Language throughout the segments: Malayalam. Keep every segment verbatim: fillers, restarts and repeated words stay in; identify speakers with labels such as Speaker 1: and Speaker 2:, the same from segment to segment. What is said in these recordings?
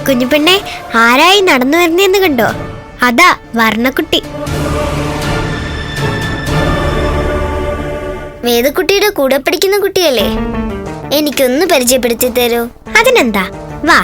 Speaker 1: കുഞ്ഞുപെണ്ണെ, ആരായി നടന്നു വരുന്നേന്ന് കണ്ടോ? അതാ വർണ്ണക്കുട്ടി.
Speaker 2: വേദക്കുട്ടിയുടെ കൂടെ പഠിക്കുന്ന കുട്ടിയല്ലേ? എനിക്കൊന്ന് പരിചയപ്പെടുത്തി തരൂ.
Speaker 1: അതിനെന്താ, വാ.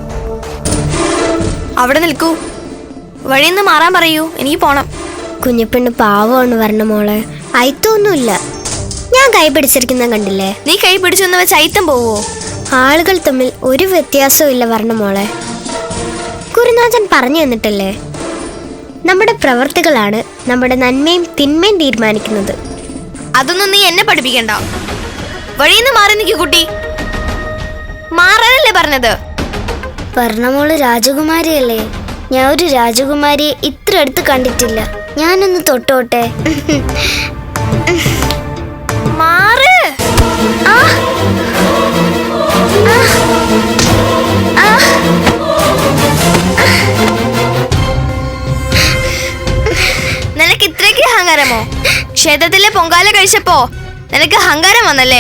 Speaker 3: അവിടെ നിൽക്കൂ. വഴിന്ന് മാറാൻ പറയൂ, എനിക്ക് പോണം.
Speaker 1: കുഞ്ഞുപെണ്ണ് പാവമാണ് വർണ്ണമോളെ, അയത്തൊന്നുമില്ല. ഞാൻ കൈ പിടിച്ചിരിക്കുന്ന കണ്ടില്ലേ?
Speaker 3: നീ കൈ പിടിച്ചൊന്ന് വെച്ച് അയിത്തം പോവോ?
Speaker 1: ആളുകൾ തമ്മിൽ ഒരു വ്യത്യാസവും ഇല്ല വർണ്ണമോളെ. ഗുരുനാഥൻ പറഞ്ഞു തന്നിട്ടല്ലേ, നമ്മുടെ പ്രവർത്തികളാണ് നമ്മുടെ നന്മയും തിന്മയും തീരുമാനിക്കുന്നത്.
Speaker 3: അതൊന്നും നീ എന്നെ പഠിപ്പിക്കണ്ട. വഴിന്ന് മാറി നിൽക്കൂ കുട്ടി. മാറാനല്ലേ പറഞ്ഞത്?
Speaker 2: വർണ്ണമോള് രാജകുമാരിയല്ലേ? ഞാൻ ഒരു രാജകുമാരിയെ ഇത്ര അടുത്ത് കണ്ടിട്ടില്ല. ഞാനൊന്ന് തൊട്ടോട്ടെ.
Speaker 3: മാറ്.
Speaker 2: ആ ആ
Speaker 3: നിനക്ക് ഇത്രയ്ക്ക് അഹങ്കാരമോ? ക്ഷേത്രത്തിലെ പൊങ്കാല കഴിച്ചപ്പോ നിനക്ക് അഹങ്കാരം വന്നല്ലേ?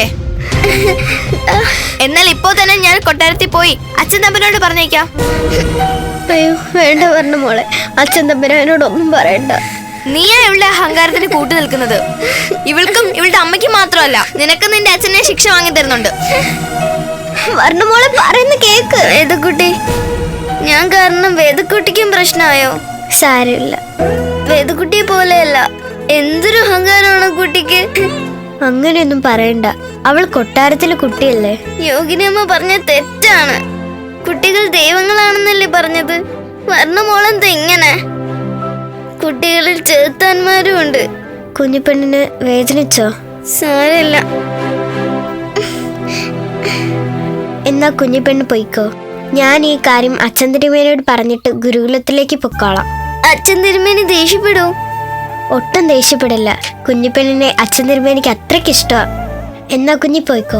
Speaker 3: എന്നാൽ ഇപ്പോ തന്നെ ഞാൻ കൊട്ടാരത്തിൽ പോയി അച്ഛൻ തമ്പനോട് പറഞ്ഞേക്കാം.
Speaker 1: അയ്യോ വേണ്ട വർണ്ണമോളെ, അച്ഛൻ തമ്പുരാനോടൊന്നും പറയണ്ട.
Speaker 3: നീയാ ഇവളുടെ അഹങ്കാരത്തിന് കൂട്ടു നിൽക്കുന്നത്. ഇവൾക്കും ഇവളുടെ അമ്മയ്ക്കും മാത്രമല്ല, നിനക്ക് നിന്റെ അച്ഛനെ ശിക്ഷ വാങ്ങി തരുന്നുണ്ട്.
Speaker 1: വർണ്ണമോളെ പറയുന്ന കേക്ക്.
Speaker 2: വേദക്കുട്ടി, ഞാൻ കാരണം വേദക്കുട്ടിക്കും പ്രശ്നമായോ?
Speaker 1: സാരമില്ല.
Speaker 2: വേദക്കുട്ടിയെ പോലെയല്ല, എന്തൊരു അഹങ്കാരമാണ് കുട്ടിക്ക്.
Speaker 1: അങ്ങനെയൊന്നും പറയണ്ട, അവൾ കൊട്ടാരത്തിലെ കുട്ടിയല്ലേ.
Speaker 2: യോഗിനിയമ്മ പറഞ്ഞ തെറ്റാണ്. കുട്ടികൾ ദൈവങ്ങളാണെന്നല്ലേ പറഞ്ഞത്? വർണ്ണമോളെന്താ ഇങ്ങനെ? കുട്ടികളിൽ ചെറുത്താന്മാരും ഉണ്ട്.
Speaker 1: കുഞ്ഞുപെണ്ണിന് വേദനിച്ചോ?
Speaker 2: സാരമില്ല.
Speaker 1: എന്നാ കുഞ്ഞുപെണ്ണ് പൊയ്ക്കോ. ഞാൻ ഈ കാര്യം അച്ഛൻ തിരുമേനോട് പറഞ്ഞിട്ട് ഗുരുകുലത്തിലേക്ക് പൊക്കോളാം.
Speaker 2: അച്ഛൻ തിരുമേനി ദേഷ്യപ്പെടൂ?
Speaker 1: ഒട്ടും ദേഷ്യപ്പെടില്ല. കുഞ്ഞിപ്പെണ്ണിനെ അച്ഛൻ തിരുമേനിക്ക് അത്രയ്ക്ക് ഇഷ്ടമാണ്. എന്നാ കുഞ്ഞി പോയിക്കോ.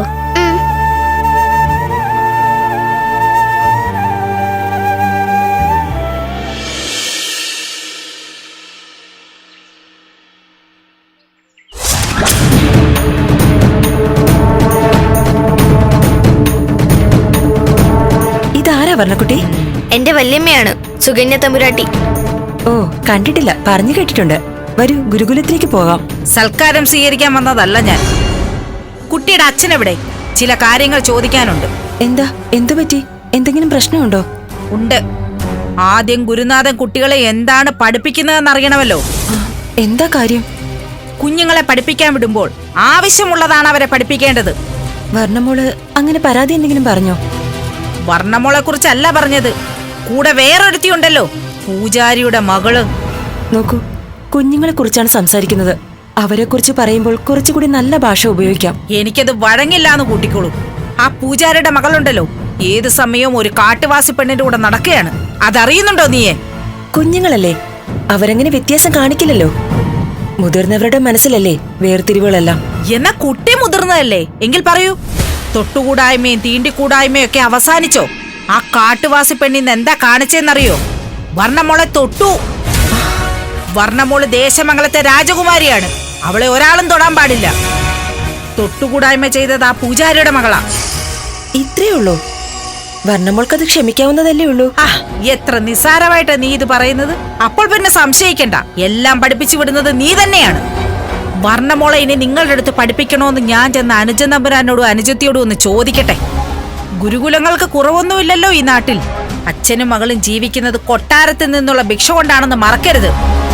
Speaker 4: ഇതാരാ വർണ്ണക്കുട്ടി?
Speaker 3: എന്റെ വല്യമ്മയാണ്, സുകന്യ തമ്പുരാട്ടി.
Speaker 4: ഓ, കണ്ടിട്ടില്ല, പറഞ്ഞു കേട്ടിട്ടുണ്ട്. വരൂ, ഗുരുകുലത്തിലേക്ക് പോകാം.
Speaker 5: സൽക്കാരം സ്വീകരിക്കാൻ വന്നതല്ല ഞാൻ. കുട്ടിയുടെ അച്ഛനെവിടെ? ചില കാര്യങ്ങൾ ചോദിക്കാനുണ്ട്.
Speaker 4: എന്താ, എന്തു പറ്റി? എന്തെങ്കിലും പ്രശ്നമുണ്ടോ?
Speaker 5: ഉണ്ട്. ആദ്യം ഗുരുനാഥൻ കുട്ടികളെ എന്താണ് പഠിപ്പിക്കുന്നതെന്ന് അറിയണമല്ലോ.
Speaker 4: എന്താ കാര്യം?
Speaker 5: കുഞ്ഞുങ്ങളെ പഠിപ്പിക്കാൻ വിടുമ്പോൾ ആവശ്യമുള്ളതാണ് അവരെ പഠിപ്പിക്കേണ്ടത്.
Speaker 4: വർണ്ണമോള് അങ്ങനെ പരാതി എന്തെങ്കിലും പറഞ്ഞോ?
Speaker 5: വർണ്ണമോളെ കുറിച്ചല്ല പറഞ്ഞത്, കൂടെ വേറൊരുത്തിയുണ്ടല്ലോ, പൂജാരിയുടെ മകള്.
Speaker 4: നോക്കൂ, കുഞ്ഞുങ്ങളെ കുറിച്ചാണ് സംസാരിക്കുന്നത്. അവരെ കുറിച്ച് പറയുമ്പോൾ കുറച്ചുകൂടി നല്ല ഭാഷ ഉപയോഗിക്കാം.
Speaker 5: എനിക്കത് വഴങ്ങില്ലാന്ന് കൂട്ടിക്കോളൂ. ആ പൂജാരിയുടെ മകളുണ്ടല്ലോ, ഏത് സമയവും ഒരു കാട്ടുവാസി പെണ്ണിന്റെ കൂടെ നടക്കുകയാണ്. അതറിയുന്നുണ്ടോ നീയെ?
Speaker 4: കുഞ്ഞുങ്ങളല്ലേ, അവരങ്ങനെ വ്യത്യാസം കാണിക്കില്ലല്ലോ. മുതിർന്നവരുടെ മനസ്സിലല്ലേ വേർതിരിവുകളെല്ലാം.
Speaker 5: എന്നാ കുട്ടി മുതിർന്നതല്ലേ? എങ്കിൽ പറയൂ, തൊട്ടുകൂടായ്മയും തീണ്ടിക്കൂടായ്മയും ഒക്കെ അവസാനിച്ചോ? ആ കാട്ടുവാസി പെണ്ണിന്ന് എന്താ കാണിച്ചെന്നറിയോ? വർണ്ണമോളെ തൊട്ടു. വർണ്ണമോള് ദേശമംഗലത്തെ രാജകുമാരിയാണ്. അവളെ ഒരാളും തൊടാൻ പാടില്ല. തൊട്ടുകൂടായ്മ ചെയ്തത് ആ പൂജാരിയുടെ മകളാ.
Speaker 4: ഇത്രേ ഉള്ളൂ? വർണ്ണമോൾക്കത് ക്ഷമിക്കാവുന്നതല്ലേ ഉള്ളൂ.
Speaker 5: ആ, എത്ര നിസ്സാരമായിട്ടാ നീ ഇത് പറയുന്നത്. അപ്പോൾ പിന്നെ സംശയിക്കണ്ട, എല്ലാം പഠിപ്പിച്ചു വിടുന്നത് നീ തന്നെയാണ്. വർണ്ണമോളെ ഇനി നിങ്ങളുടെ അടുത്ത് പഠിപ്പിക്കണോന്ന് ഞാൻ ചെന്ന് അനുജൻ തമ്പുരാനോടും അനുജത്തിയോടും ഒന്ന് ചോദിക്കട്ടെ. ഗുരുകുലങ്ങൾക്ക് കുറവൊന്നുമില്ലല്ലോ ഈ നാട്ടിൽ. അച്ഛനും മകളും ജീവിക്കുന്നത് കൊട്ടാരത്തിൽ നിന്നുള്ള ഭിക്ഷ കൊണ്ടാണെന്ന് മറക്കരുത്.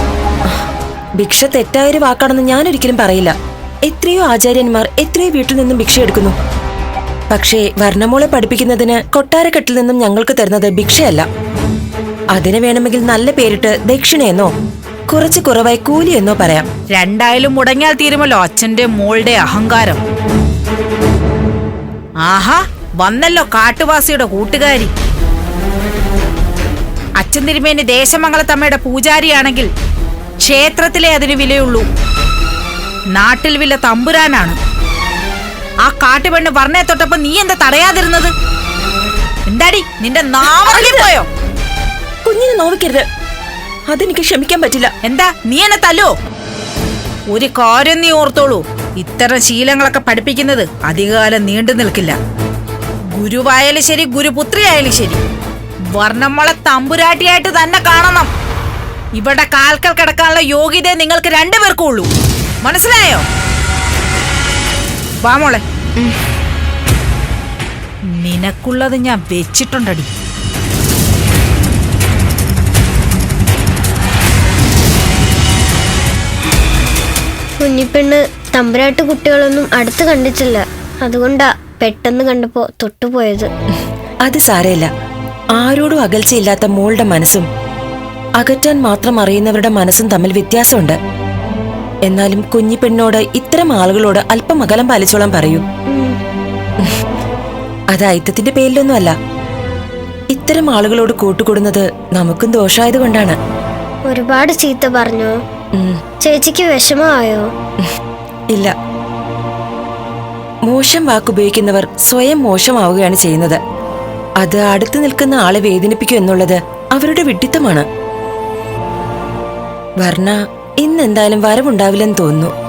Speaker 4: ഭിക്ഷ തെറ്റായൊരു വാക്കാണെന്ന് ഞാൻ ഒരിക്കലും പറയില്ല. എത്രയോ ആചാര്യന്മാർ എത്രയോ വീട്ടിൽ നിന്നും ഭിക്ഷ എടുക്കുന്നു. പക്ഷേ വർണ്ണമോളെ പഠിപ്പിക്കുന്നതിന് കൊട്ടാരക്കെട്ടിൽ നിന്നും ഞങ്ങൾക്ക് തരുന്നത് ഭിക്ഷയല്ല. അതിന് വേണമെങ്കിൽ നല്ല പേരിട്ട് ദക്ഷിണയെന്നോ കുറച്ച് കുറവായി കൂലിയെന്നോ പറയാം.
Speaker 5: രണ്ടായാലും മുടങ്ങിയാൽ തീരുമല്ലോ അച്ഛന്റെ മോളുടെ അഹങ്കാരം. ആഹാ, വന്നല്ലോ കാട്ടുവാസിയുടെ കൂട്ടുകാരി. അച്ഛൻ തിരുമേനി ദേശമംഗലത്തമ്മയുടെ പൂജാരിയാണെങ്കിൽ ക്ഷേത്രത്തിലെ അതിന് വിലയുള്ളൂ. നാട്ടിൽ വില തമ്പുരാനാണ്. ആ കാട്ടുപെണ്ണ് വർണ്ണയെ തൊട്ടപ്പോ നീ എന്താ തടയാതിരുന്നത്? എന്താടി നിന്റെ നാവറിൽ പോയോ?
Speaker 4: കുഞ്ഞിനെ നോവിക്കരുത്, അതെനിക്ക് ക്ഷമിക്കാൻ പറ്റില്ല.
Speaker 5: എന്താ നീ എന്നെ തല്ലോ? ഒരു കാര്യം നീ ഓർത്തോളൂ, ഇത്തരം ശീലങ്ങളൊക്കെ പഠിപ്പിക്കുന്നത് അധികകാലം നീണ്ടു നിൽക്കില്ല. ഗുരുവായാലും ശരി, ഗുരുപുത്രിയായാലും ശരി, വർണ്ണമോളെ തമ്പുരാട്ടിയായിട്ട് തന്നെ കാണണം. ഇവിടെ കാൽക്കൽ കിടക്കാനുള്ള യോഗ്യത നിങ്ങൾക്ക് രണ്ടുപേർക്കും ഉള്ളൂ. മനസ്സിലായോ? വാ മോളെ, നിനക്കുള്ളത് ഞാൻ വെച്ചിട്ടുണ്ടടി.
Speaker 1: കുഞ്ഞിപ്പെണ്ണ് തമ്പുരാട്ട് കുട്ടികളൊന്നും അടുത്ത് കണ്ടിട്ടില്ല. അതുകൊണ്ടാ പെട്ടെന്ന് കണ്ടപ്പോ തൊട്ടുപോയത്.
Speaker 4: അത് സാരമില്ല. ആരോടും അകൽച്ചയില്ലാത്ത മോളുടെ മനസ്സും അകറ്റാൻ മാത്രം അറിയുന്നവരുടെ മനസ്സും തമ്മിൽ വ്യത്യാസമുണ്ട്. എന്നാലും കുഞ്ഞിപ്പെണ്ണോട് ഇത്തരം ആളുകളോട് അല്പം അകലം പാലിച്ചോളാൻ പറയൂ. അത് ഐത്തത്തിന്റെ പേരിലൊന്നുമല്ല. ഇത്തരം ആളുകളോട് കൂട്ടുകൂടുന്നത് നമുക്കും ദോഷമായത് കൊണ്ടാണ്.
Speaker 1: ഒരുപാട് ചീത്ത പറഞ്ഞോ? ചേച്ചിക്ക് വിഷമമായോ?
Speaker 4: ഇല്ല. മോശം വാക്കുപയോഗിക്കുന്നവർ സ്വയം മോശമാവുകയാണ് ചെയ്യുന്നത്. അത് അടുത്ത് നിൽക്കുന്ന ആളെ വേദനിപ്പിക്കും എന്നുള്ളത് അവരുടെ വിഡ്ഢിത്തമാണ്. വർണ്ണ ഇന്നെന്തായാലും വരവുണ്ടാവില്ലെന്ന് തോന്നുന്നു.